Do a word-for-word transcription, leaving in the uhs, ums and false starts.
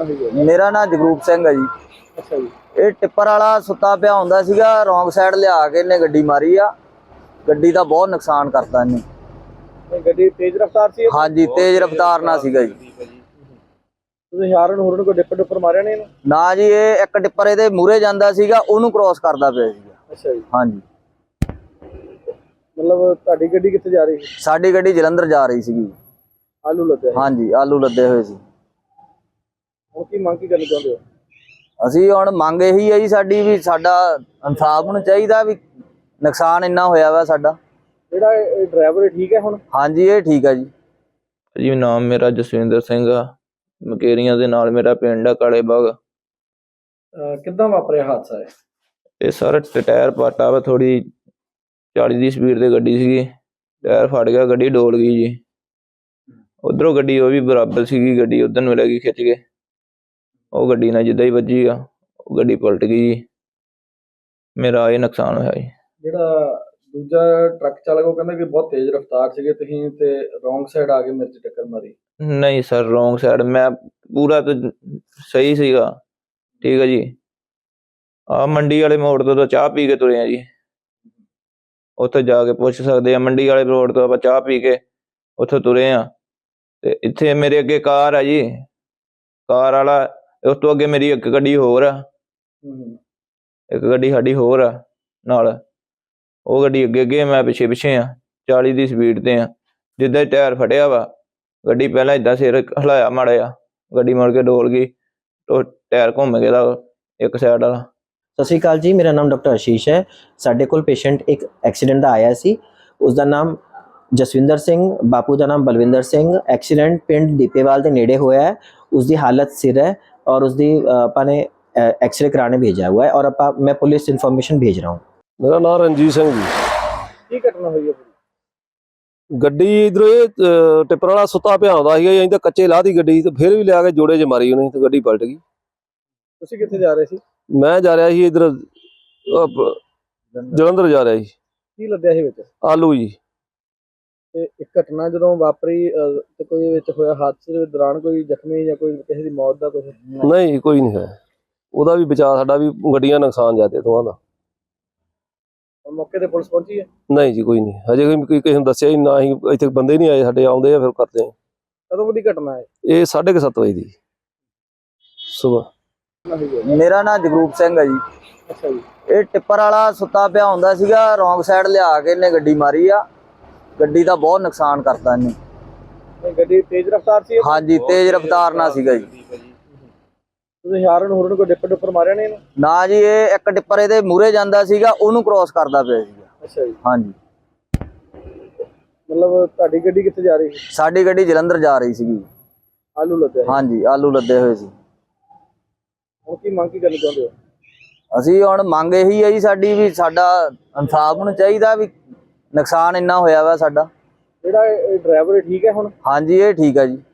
ਘਟਨਾ ਹੋਈ ਹੈ? ਮੇਰਾ ਨਾਮ ਜਗਰੂਪ ਸਿੰਘ ਹੈ ਜੀ। ਅੱਛਾ ਜੀ। ਇਹ ਟਿੱਪਰ ਵਾਲਾ ਸੁੱਤਾ ਪਿਆ ਹੁੰਦਾ ਸੀਗਾ, ਰੋਂਗ ਸਾਈਡ ਲਿਆ ਕੇ ਇਹਨੇ ਗੱਡੀ ਮਾਰੀ ਆ। ਗੱਡੀ ਦਾ ਬਹੁਤ ਨੁਕਸਾਨ ਕਰਤਾ ਇਹਨੇ। ਗੱਡੀ ਤੇਜ਼ ਰਫ਼ਤਾਰ ਸੀ? ਹਾਂਜੀ, ਤੇਜ਼ ਰਫ਼ਤਾਰ ਨਾਲ ਸੀਗਾ ਜੀ। ਤੁਸੀਂ ਹਾਰਨ ਹੋਰਨ ਕੋਈ ਡਿੱਪਰ ਡਿੱਪਰ ਮਾਰਿਆ ਨਹੀਂ ਇਹਨੂੰ? ਨਾ ਜੀ, ਇਹ ਇੱਕ ਟਿੱਪਰ ਇਹਦੇ ਮੂਹਰੇ ਜਾਂਦਾ ਸੀਗਾ, ਉਹਨੂੰ ਕ੍ਰੋਸ ਕਰਦਾ ਪਿਆ ਸੀਗਾ। ਅੱਛਾ ਜੀ। ਹਾਂਜੀ। ਮਤਲਬ ਤੁਹਾਡੀ ਗੱਡੀ ਕਿੱਥੇ ਜਾ ਰਹੀ ਸੀ? ਸਾਡੀ ਗੱਡੀ ਜਲੰਧਰ ਜਾ ਰਹੀ ਸੀਗੀ। ਆਲੂ ਲੱਦੇ? ਹਾਂਜੀ, ਆਲੂ ਲੱਦੇ ਹੋਏ ਸੀ। ਹੁਣ ਕੀ ਮੰਗ ਕੀ ਕਰਨੀ ਚਾਹੁੰਦੇ ਹੋ? ਅਸੀਂ ਹੁਣ ਮੰਗ ਇਹੀ ਹੈ ਜੀ ਸਾਡੀ, ਵੀ ਸਾਡਾ ਇਨਸਾਫ ਨੂੰ ਚਾਹੀਦਾ, ਵੀ ਨੁਕਸਾਨ ਇੰਨਾ ਹੋਇਆ ਵਾ ਸਾਡਾ। ਜਿਹੜਾ ਇਹ ਡਰਾਈਵਰ ਠੀਕ ਹੈ ਹੁਣ? ਹਾਂਜੀ, ਇਹ ਠੀਕ ਹੈ ਜੀ। ਜੀ ਨਾਮ ਮੇਰਾ ਜਸਵਿੰਦਰ ਸਿੰਘ ਆ, ਮਕੇਰੀਆਂ ਦੇ ਨਾਲ ਮੇਰਾ ਪਿੰਡ ਆ ਕਾਲੇ ਬਾਗ। ਕਿੱਦਾਂ ਵਾਪਰਿਆ ਹਾਦਸਾ ਹੈ? ਇਹ ਸਾਰਾ ਟਾਇਰ ਪਾਟਾ ਵਾ, ਥੋੜੀ ਚਾਲੀ ਦੀ ਸਪੀਡ ਤੇ ਗੱਡੀ ਸੀਗੀ, ਟਾਇਰ ਫਟ ਗਿਆ, ਗੱਡੀ ਡੋਲ ਗਈ ਜੀ। ਉਧਰੋਂ ਗੱਡੀ ਉਹ ਵੀ ਬਰਾਬਰ ਸੀਗੀ, ਗੱਡੀ ਉਧਰ ਨੂੰ ਲੈ ਗਈ ਖਿੱਚ ਕੇ, ਉਹ ਗੱਡੀ ਨਾਲ ਜਿੱਦਾਂ ਹੀ ਵੱਜੀ ਆ ਉਹ ਗੱਡੀ ਪਲਟ ਗਈ ਜੀ। ਮੇਰਾ ਇਹ ਨੁਕਸਾਨ ਹੋਇਆ ਜੀ। ਜਿਹੜਾ ਦੂਜਾ ਟਰੱਕ ਚਾਲਕ ਉਹ ਕਹਿੰਦਾ ਕਿ ਬਹੁਤ ਤੇਜ਼ ਰਫ਼ਤਾਰ ਸੀਗੇ ਤੁਸੀਂ ਤੇ ਰੋਂਗ ਸਾਈਡ ਆ ਕੇ ਮੇਰੇ 'ਚ ਟੱਕਰ ਮਾਰੀ। ਨਹੀਂ ਸਰ, ਰੋਂਗ ਸਾਈਡ, ਮੈਂ ਪੂਰਾ ਤਾਂ ਸਹੀ ਸੀਗਾ। ਠੀਕ ਹੈ ਜੀ। ਆਹ ਮੰਡੀ ਵਾਲੇ ਮੋੜ ਤੋਂ ਤਾਂ ਚਾਹ ਪੀ ਕੇ ਤੁਰੇ ਆ ਜੀ, ਉੱਥੇ ਜਾ ਕੇ ਪੁੱਛ ਸਕਦੇ ਆ। ਮੰਡੀ ਵਾਲੇ ਰੋਡ ਤੋਂ ਆਪਾਂ ਚਾਹ ਪੀ ਕੇ ਉੱਥੇ ਤੁਰੇ ਆ, ਤੇ ਇੱਥੇ ਮੇਰੇ ਅੱਗੇ ਕਾਰ ਆ ਜੀ, ਕਾਰ ਵਾਲਾ, ਉਸ ਤੋਂ ਅੱਗੇ ਮੇਰੀ ਇੱਕ ਗੱਡੀ ਹੋਰ ਆ, ਇੱਕ ਗੱਡੀ ਸਾਡੀ ਹੋਰ ਆ ਨਾਲ, ਉਹ ਗੱਡੀ ਅੱਗੇ ਅੱਗੇ, ਮੈਂ ਪਿੱਛੇ ਪਿੱਛੇ ਆ, ਚਾਲੀ ਦੀ ਸਪੀਡ ਤੇ ਆ। ਜਿੱਦਾਂ ਟਾਇਰ ਫਟਿਆ ਵਾ, ਗੱਡੀ ਪਹਿਲਾਂ ਏਦਾਂ ਸਿਰ ਹਿਲਾਇਆ ਮਾੜਾ ਜਿਹਾ, ਗੱਡੀ ਮੁੜ ਕੇ ਡੋਲ ਗਈ, ਉਹ ਟਾਇਰ ਘੁੰਮ ਗਿਆ ਦਾ ਇੱਕ ਸਾਈਡ ਵਾਲਾ। ਸਤਿ ਸ਼੍ਰੀ ਅਕਾਲ ਜੀ, ਮੇਰਾ ਨਾਮ ਡਾਕਟਰ ਆਸ਼ੀਸ਼ ਹੈ। ਸਾਡੇ ਕੋਲ ਪੇਸ਼ੈਂਟ ਇੱਕ ਐਕਸੀਡੈਂਟ ਦਾ ਆਇਆ ਸੀ, ਉਸਦਾ ਨਾਮ ਜਸਵਿੰਦਰ ਸਿੰਘ, ਬਾਪੂ ਦਾ ਨਾਮ ਬਲਵਿੰਦਰ ਸਿੰਘ। ਐਕਸੀਡੈਂਟ ਪਿੰਡ ਦੀਪੇਵਾਲ ਦੇ ਨੇੜੇ ਹੋਇਆ ਹੈ। ਉਸਦੀ ਹਾਲਤ ਸਿਰ ਹੈ और उसकी ਆਪਾਂ ਨੇ एक्सरे कराने भेजा हुआ है और आप मैं पुलिस इन्फॉर्मेशन भेज रहा हूँ। मेरा नाम रंजीत सिंह जी। ਕੀ ਘਟਨਾ ਹੋਈ ਹੈ? ਗੱਡੀ ਇਧਰੋਂ ਇਹ ਟਿੱਪਰ ਵਾਲਾ ਸੁੱਤਾ ਪਿਆ ਹੁੰਦਾ ਸੀ, ਅਸੀਂ ਤਾਂ ਕੱਚੇ ਲਾਹ ਦੀ ਗੱਡੀ, ਤੇ ਫਿਰ ਵੀ ਲਿਆ ਕੇ ਜੋੜੇ 'ਚ ਮਾਰੀ ਉਹਨੇ, ਤੇ ਗੱਡੀ ਪਲਟ ਗਈ। ਤੁਸੀਂ ਕਿੱਥੇ ਜਾ ਰਹੇ ਸੀ? ਮੈਂ ਜਾ ਰਿਹਾ ਸੀ ਇਧਰ ਜਲੰਧਰ ਜਾ ਰਿਹਾ ਸੀ। ਕੀ ਲੱਦਿਆ ਸੀ ਵਿੱਚ? ਆਲੂ ਜੀ। ਤੇ ਇੱਕ ਘਟਨਾ ਜਦੋਂ ਵਾਪਰੀ ਤੇ ਕੋਈ ਵਿੱਚ ਹੋਇਆ ਹਾਦਸੇ ਦੇ ਦੌਰਾਨ ਕੋਈ ਜ਼ਖਮੀ ਜਾਂ ਕੋਈ ਕਿਸੇ ਦੀ ਮੌਤ ਦਾ ਕੁਝ? ਨਹੀਂ, ਕੋਈ ਨਹੀਂ ਹੈ। ਉਹਦਾ ਵੀ ਬਚਾਅ, ਸਾਡਾ ਵੀ ਗੱਡੀਆਂ ਨੁਕਸਾਨ ਜਾਂਦੇ ਦੋਵਾਂ ਦਾ। ਮੌਕੇ ਤੇ ਪੁਲਿਸ ਪਹੁੰਚੀ ਹੈ? ਨਹੀਂ ਜੀ, ਕੋਈ ਨਹੀਂ, ਹਜੇ ਕੋਈ ਕਿਸੇ ਨੂੰ ਦੱਸਿਆ ਹੀ ਨਾ, ਹੀ ਇੱਥੇ ਬੰਦੇ ਨਹੀਂ ਆਏ ਸਾਡੇ, ਆਉਂਦੇ ਆ ਫਿਰ ਕਰਦੇ ਆ। ਕਦੋਂ ਦੀ ਘਟਨਾ ਹੈ ਇਹ ਸਾਢੇ ਕੁ ਸੱਤ ਵਜੇ ਦੀ ਸੁਬਾਹ। ਮੇਰਾ ਨਾਮ ਜਗਰੂਪ ਸਿੰਘ ਹੈ ਜੀ। ਅੱਛਾ ਜੀ। ਇਹ ਟਿੱਪਰ ਵਾਲਾ ਸੁੱਤਾ ਪਿਆ ਹੁੰਦਾ ਸੀਗਾ, ਰੋਂਗ ਸਾਈਡ ਲਿਆ ਕੇ ਇਹਨੇ ਗੱਡੀ ਮਾਰੀ ਆ। ਗੱਡੀ ਦਾ ਬਹੁਤ ਨੁਕਸਾਨ ਕਰਤਾ ਇਹਨੇ। ਗੱਡੀ ਤੇਜ਼ ਰਫ਼ਤਾਰ ਸੀ? ਹਾਂਜੀ, ਤੇਜ਼ ਰਫ਼ਤਾਰ ਨਾਲ ਸੀਗਾ ਜੀ। ਤੁਸੀਂ ਹਾਰਨ ਹੋਰਨ ਕੋਈ ਡਿੱਪਰ ਡਿੱਪਰ ਮਾਰਿਆ ਨਹੀਂ ਇਹਨੂੰ? ਨਾ ਜੀ, ਇਹ ਇੱਕ ਟਿੱਪਰ ਇਹਦੇ ਮੂਹਰੇ ਜਾਂਦਾ ਸੀਗਾ, ਉਹਨੂੰ ਕ੍ਰੋਸ ਕਰਦਾ ਪਿਆ ਸੀਗਾ। ਅੱਛਾ ਜੀ। ਹਾਂਜੀ। ਮਤਲਬ ਤੁਹਾਡੀ ਗੱਡੀ ਕਿੱਥੇ ਜਾ ਰਹੀ ਸੀ? ਸਾਡੀ ਗੱਡੀ ਜਲੰਧਰ ਜਾ ਰਹੀ ਸੀਗੀ। ਆਲੂ ਲੱਦੇ? ਹਾਂਜੀ, ਆਲੂ ਲੱਦੇ ਹੋਏ ਸੀ। ਹੁਣ ਕੀ ਮੰਗ ਕੀ ਕਰਨੀ ਚਾਹੁੰਦੇ ਹੋ? ਅਸੀਂ ਹੁਣ ਮੰਗ ਇਹੀ ਹੈ ਜੀ ਸਾਡੀ, ਵੀ ਸਾਡਾ ਇਨਸਾਫ ਨੂੰ ਚਾਹੀਦਾ, ਵੀ ਨੁਕਸਾਨ ਇੰਨਾ ਹੋਇਆ ਵਾ ਸਾਡਾ। ਜਿਹੜਾ ਇਹ ਡਰਾਈਵਰ ਠੀਕ ਹੈ ਹੁਣ? ਹਾਂਜੀ, ਇਹ ਠੀਕ ਹੈ ਜੀ।